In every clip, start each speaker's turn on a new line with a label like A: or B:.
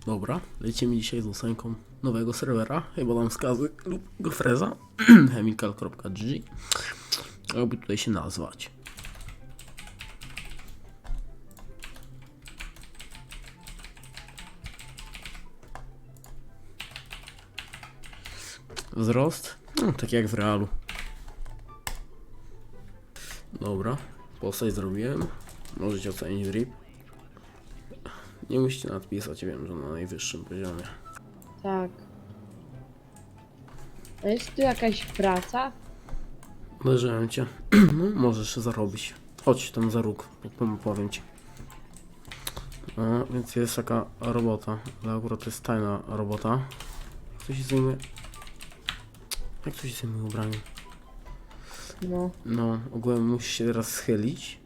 A: Dobra, lecimy dzisiaj z ósemką nowego serwera, chyba dam wskazy lub gofreza, chemical.gg, jakby tutaj się nazwać. Wzrost, no, tak jak w realu. Dobra, postać zrobiłem, możecie ocenić drip. Nie musicie nadpisać, wiem, że na najwyższym poziomie.
B: Tak. A jest tu jakaś praca?
A: Leżałem cię. No, możesz zarobić. Chodź tam za róg, powiem ci. Więc jest taka robota, ale akurat to jest tajna robota. Kto się zajmuje? Jak to się zajmuje ubraniem?
B: No.
A: No, ogółem musisz się teraz schylić.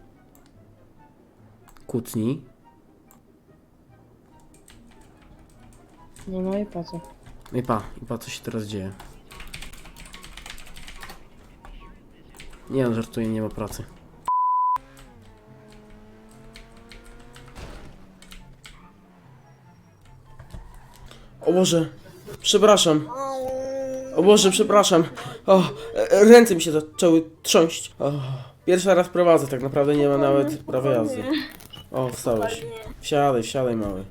A: Kłótnij.
B: No i po co?
A: No i pa, co się teraz dzieje. Nie, no, żartuję, nie ma pracy. O Boże, przepraszam. O Boże, przepraszam. O, ręce mi się zaczęły trząść. O, pierwszy raz prowadzę, tak naprawdę nie ma nawet prawa jazdy. O, wstałeś. Wsiadaj, wsiadaj, mały.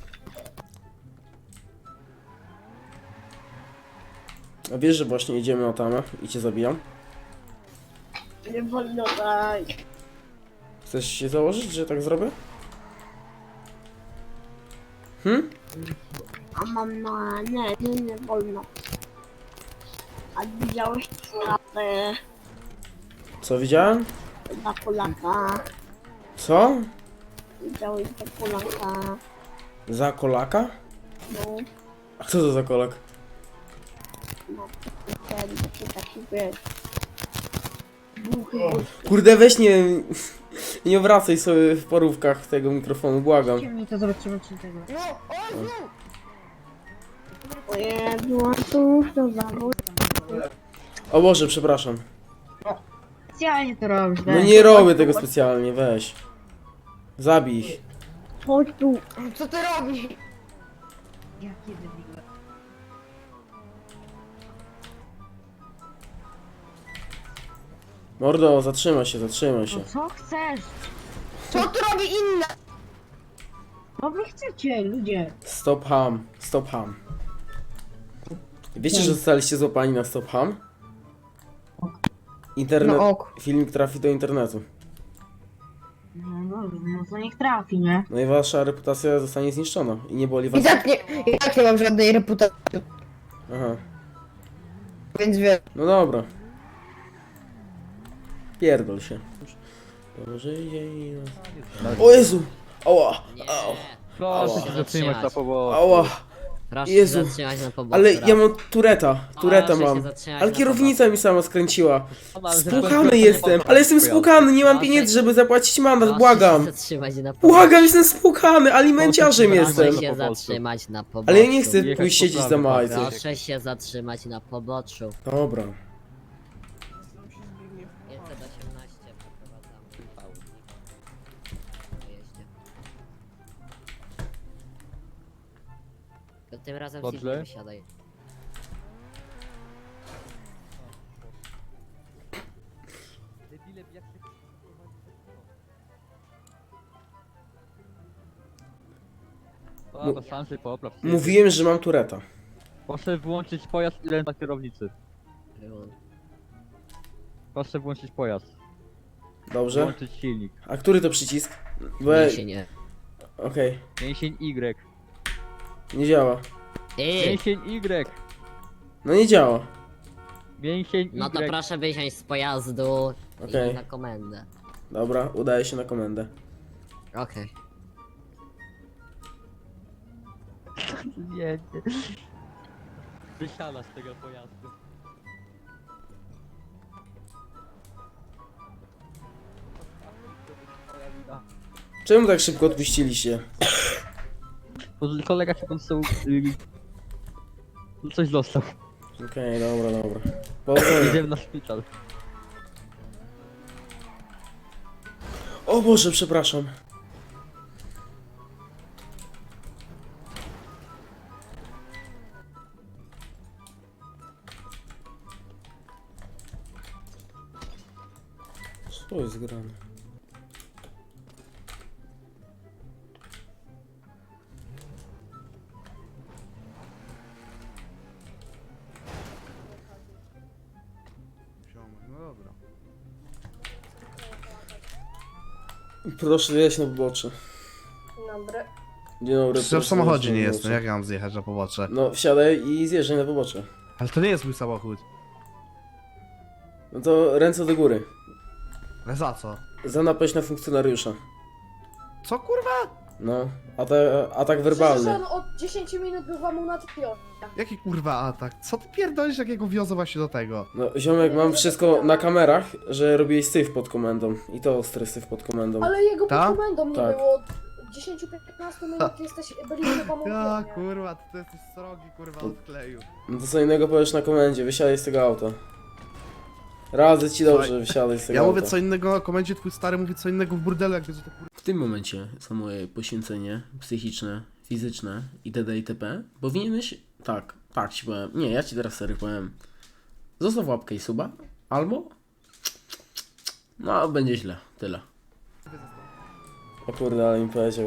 A: A wiesz, że właśnie jedziemy na tamę i cię zabijam?
B: Nie wolno tak.
A: Chcesz się założyć, że tak zrobię?
B: A mam na... Nie wolno. A widziałeś stratę
A: Co widziałem?
B: dla Polaka?
A: Co?
B: Widziałeś dla Polaka?
A: Za kolaka?
B: No.
A: A kto to za kolak?
B: No. Ten taki wiesz. Buchy.
A: Kurde, weź nie obracaj sobie w porówkach tego mikrofonu, błagam.
C: Mi to zobaczymy czy tego.
B: O Jezu, a tu już to zawód.
A: O Boże, przepraszam.
C: Specjalnie to robisz,
A: No nie robię tego specjalnie, weź. Zabij ich.
B: Chodź tu.
C: Co ty robisz? Jakie debile.
A: Mordo, zatrzymaj się, zatrzymaj się.
C: No co chcesz?
B: Co tu robi inna?
C: Co wy chcecie, ludzie?
A: Stop ham, stop ham. Wiecie, że zostaliście złapani na stop ham? Internet,
B: No ok.
A: filmik trafi do internetu.
C: No dobrze, no to niech trafi, nie?
A: No i wasza reputacja zostanie zniszczona. I nie boli was.
D: I tak nie mam żadnej reputacji,
A: Aha,
D: więc wiesz.
A: no dobra. Pierdol się. Żyje i... O Jezu! Ała! Ała!
E: Proszę się zatrzymać na pobocze.
A: Ała!
F: Proszę
A: Jezu,
F: się zatrzymać na pobocze.
A: Ale ja mam tureta
F: Proszę się
A: mam.
F: zatrzymać
A: Ale
F: na
A: kierownica mi sama skręciła.
E: Ale
A: Spłukany jestem, ale jestem spłukany, nie mam pieniędzy, żeby zapłacić mandat,
F: Proszę
A: błagam.
F: się zatrzymać na pobocze.
A: Błagam, jestem spłukany, alimenciarzem
E: Proszę
A: jestem.
F: Proszę się zatrzymać na poboczu.
A: Ale ja nie chcę
E: Jechać
A: pójść
E: po
A: siedzieć za
E: prawej,
A: majce.
F: Proszę się zatrzymać na poboczu.
A: Dobra.
F: 518 przeprowadzamy pałki. Po jeździe. To tym razem
E: Dobrze.
F: Sylwia wysiadaj.
E: Dobra, sam się popraw.
A: Mówiłem, że mam tureta.
E: Proszę włączyć pojazd i ręce na kierownicy. Proszę włączyć pojazd.
A: Dobrze?
E: Włączyć silnik.
A: A który to przycisk?
F: Nie się nie.
A: Okej,
E: Mięsień Y.
A: nie działa.
E: Mięsień Y.
A: No nie działa.
E: Mięsień Y.
F: No to proszę wysiąść z pojazdu
A: Okej.
F: i na komendę.
A: Dobra, udaje się na komendę.
F: Okej.
E: Nie. Wysiada z tego pojazdu.
A: Czemu tak szybko odpuściliście?
E: Bo kolega się dostał... coś dostał.
A: Okej, dobra. Powodzenia.
E: Jedziemy na szpital.
A: O Boże, przepraszam. Co jest grane?
G: No dobra.
A: Proszę zjechać na pobocze.
B: Dobry.
A: Dzień dobry.
G: Przecież w
A: proszę
G: samochodzie
A: zjechać
G: nie
A: na
G: jestem,
A: pobocze.
G: jak ja mam zjechać na pobocze?
A: No wsiadaj i zjeżdżaj na pobocze.
G: Ale to nie jest mój samochód.
A: No to ręce do góry.
G: Ale za co?
A: Za napaść na funkcjonariusza.
G: Co kurwa?
A: No, atak werbalny.
B: on od 10 minut był wam na tpio.
G: Jaki kurwa atak? Co ty pierdolisz, jakiego wiozę właśnie do tego?
A: No, ziomek, mam wszystko na kamerach, że robiłeś syf pod komendą. I to ostry syf pod komendą.
B: Ale jego
G: Ta?
B: pod komendą nie
A: Tak.
B: było. Od 10-15 minut byliśmy wam
G: Ja
B: umówieni.
G: kurwa, ty jesteś srogi kurwa od kleju.
A: No to co innego powiesz na komendzie, wysiadaj z tego auta. Radzę ci dobrze,
G: Słuchaj,
A: wysiadaj z tego
G: Ja
A: auta.
G: mówię co innego na komendzie, twój stary mówi co innego w burdelu, jak wiesz, że to kurwa...
A: W tym momencie za moje poświęcenie psychiczne, fizyczne itd. itp. Powinieneś... Tak ci powiem. Nie, ja ci teraz serio powiem. Zostaw łapkę i suba, albo... No, będzie źle. Tyle. O kurde, ale mi powiedział.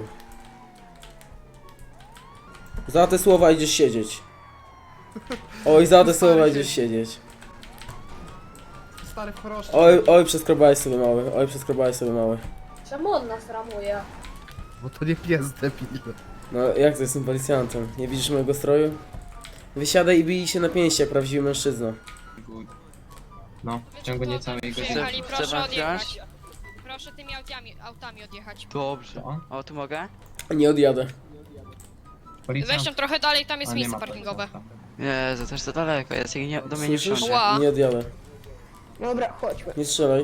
A: Za te słowa idziesz siedzieć. Oj, za te słowa idziesz siedzieć.
G: Stary w choroszczy.
A: Oj, przeskrobałeś sobie mały. Oj, przeskrobałeś sobie mały.
B: Czemu on nas ramuje?
G: Bo to nie pies debil.
A: No, jak to jestem policjantem? Nie widzisz mojego stroju? Wysiadaj i bij się na pięści, jak prawdziwy mężczyzna.
H: No, w ciągu niecałej godziny.
I: Przyjechali, proszę odjechać. Proszę tymi autami odjechać.
H: Dobrze. O, tu mogę?
A: Nie odjadę.
H: Policjant.
I: Weź tam trochę dalej, tam jest
H: A, nie
I: miejsce
H: ma
I: parkingowe.
H: Jezu, też za daleko jest, jak nie, do mnie nie
A: Słyszysz?
H: wsiądzie.
I: Ła.
A: Nie odjadę.
D: Dobra, chodźmy.
A: Nie strzelaj.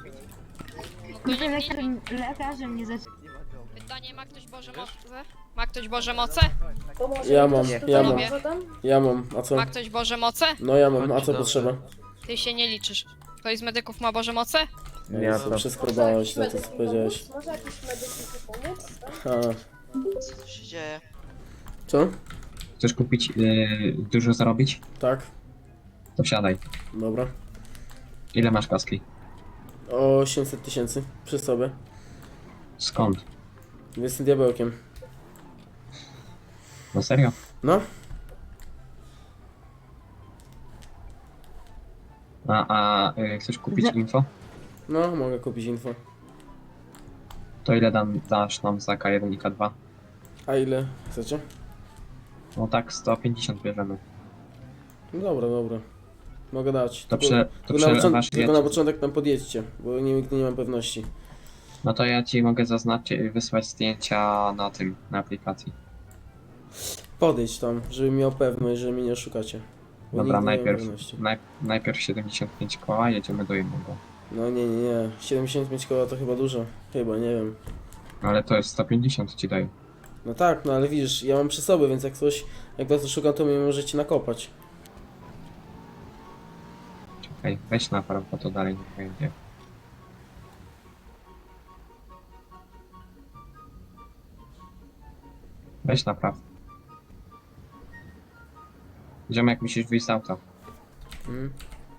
C: Lekarzem nie zaczyna.
I: Pytanie, ma ktoś Boże moce? Ma ktoś Boże moce?
B: Pomoże
A: Ja
B: mi
A: mam,
B: ktoś
A: ja
B: tutaj
A: mam.
B: potem?
A: Ja mam, a co?
I: Ma ktoś Boże moce?
A: No ja mam, a co
H: Chodźcie,
A: potrzeba?
I: Ty się nie liczysz. Ktoś z medyków ma Boże moce?
A: Ja to przeskrobałeś
B: Może
A: to,
B: jakiś
A: co
B: medyk mi
A: powiedziałeś.
B: pomóc? Może jakiś medyk mi pomóc? Tak?
A: A,
H: Co tu się dzieje?
A: co?
H: Chcesz kupić, dużo zarobić?
A: Tak?
H: To wsiadaj.
A: Dobra.
H: Ile masz kaski?
A: 800 000 przy sobie.
H: Skąd?
A: Jestem diabełkiem.
H: No serio?
A: No?
H: Chcesz kupić info?
A: No, mogę kupić info.
H: To ile dasz nam za K1 i K2?
A: A ile chcecie?
H: No tak, 150 bierzemy.
A: No dobra, dobra. Mogę dać.
H: To
A: tylko na
H: przelewasz
A: tylko na początek tam podjedźcie, bo nigdy nie mam pewności.
H: No to ja ci mogę zaznaczyć, wysłać zdjęcia na tym, na aplikacji.
A: Podejdź tam, żeby miał pewność, że mnie nie oszukacie. Bo
H: Dobra,
A: nigdy nie mam
H: najpierw,
A: pewności.
H: najpierw 75 koła, jedziemy do jednego.
A: No nie. 75 koła to chyba dużo. Chyba, nie wiem.
H: Ale to jest 150 ci daję.
A: No tak, no ale widzisz, ja mam przy sobie, więc jak was szukam, to mnie możecie nakopać.
H: Czekaj, weź na prawo, to dalej nie pojedzie. Weź na prawo. Ziomek, musisz wyjść z auta.
A: Hmm?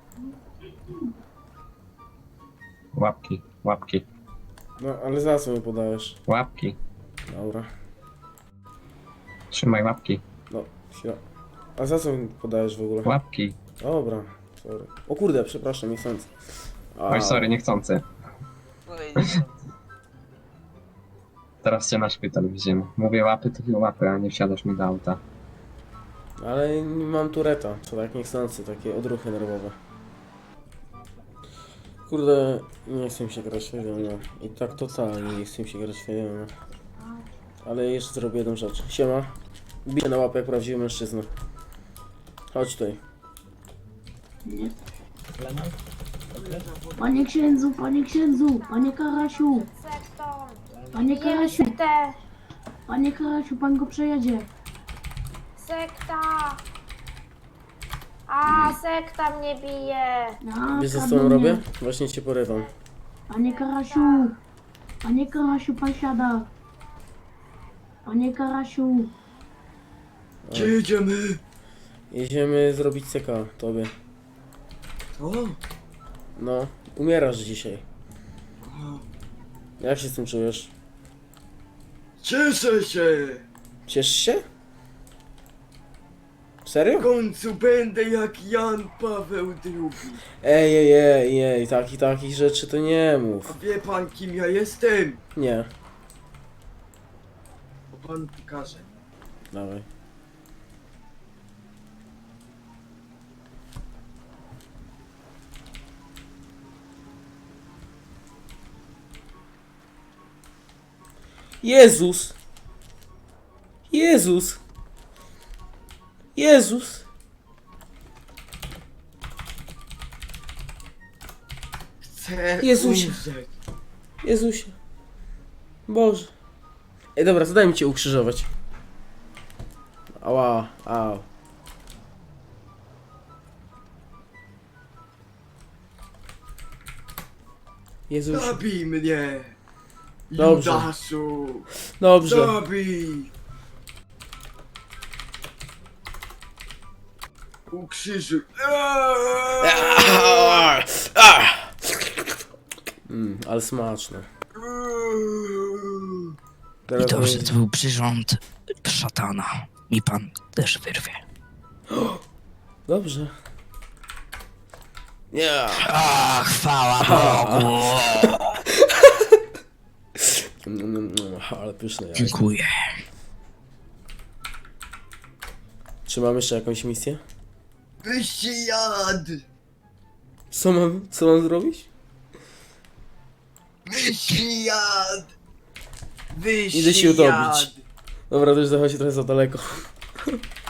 H: Łapki, łapki,
A: No, ale za co mi podajesz?
H: łapki.
A: Dobra.
H: Trzymaj łapki,
A: No, chwila. A za co mi podajesz w ogóle?
H: łapki.
A: Dobra, sorry. O kurde, przepraszam, nie chcąc.
H: Oj, sorry, niechcący. Teraz cię na szpital wzięmy. Mówię łapy, to łapy, a nie wsiadasz mi do auta.
A: Ale nie mam tureta, to tak niechcący, takie odruchy nerwowe. Kurde, nie chcę mi się grać w Wiedźmina. I tak totalnie nie chcę mi się grać w Wiedźmina. Ale jeszcze zrobię jedną rzecz. Siema. Biję na łapę jak prawdziwy mężczyzna. Chodź tutaj.
J: Panie księdzu, panie Karasiu, panie Karasiu, panie Karasiu, pan go przejedzie.
B: Sekta! A, sekta mnie bije!
J: A,
A: Wiesz co z
J: kradną
A: tobą robię?
J: mnie.
A: Właśnie cię porywam.
J: Panie Karasiu, pan siada. Panie Karasiu,
A: Gdzie jedziemy? Jedziemy zrobić CK tobie. No, umierasz dzisiaj. Jak się z tym czujesz?
K: Cieszę się!
A: Cieszysz się?
K: W
A: Serio?
K: końcu będę jak Jan Paweł II.
A: Ej, takich rzeczy to nie
K: A
A: mów.
K: wie pan kim ja jestem?
A: Nie,
K: Bo pan pokaże.
A: dawaj. Jezus! Jezus! Jezus!
K: Chcę
A: Jezusie.
K: umrzeć.
A: Jezusie. Boże. Ej, dobra, to daj mi cię ukrzyżować. Ała, au. Jezus.
K: Zabij mnie!
A: Dobrze.
K: Judaszu!
A: Dobrze.
K: Zabij! Ukrzyżuj!
A: Ale smaczne.
L: I
A: Teraz
L: dobrze,
A: będzie-
L: to był przyrząd szatana. Mi pan też wyrwie.
A: Dobrze. Nie.
L: A, chwała Bogu!
A: Ale pyszne jajko.
L: Dziękuję.
A: Czy mam jeszcze jakąś misję?
K: Wyście jad!
A: Co mam zrobić?
K: Wyście jad! Wyście
A: Idę się utopić. Dobra, to już zachodzi trochę za daleko.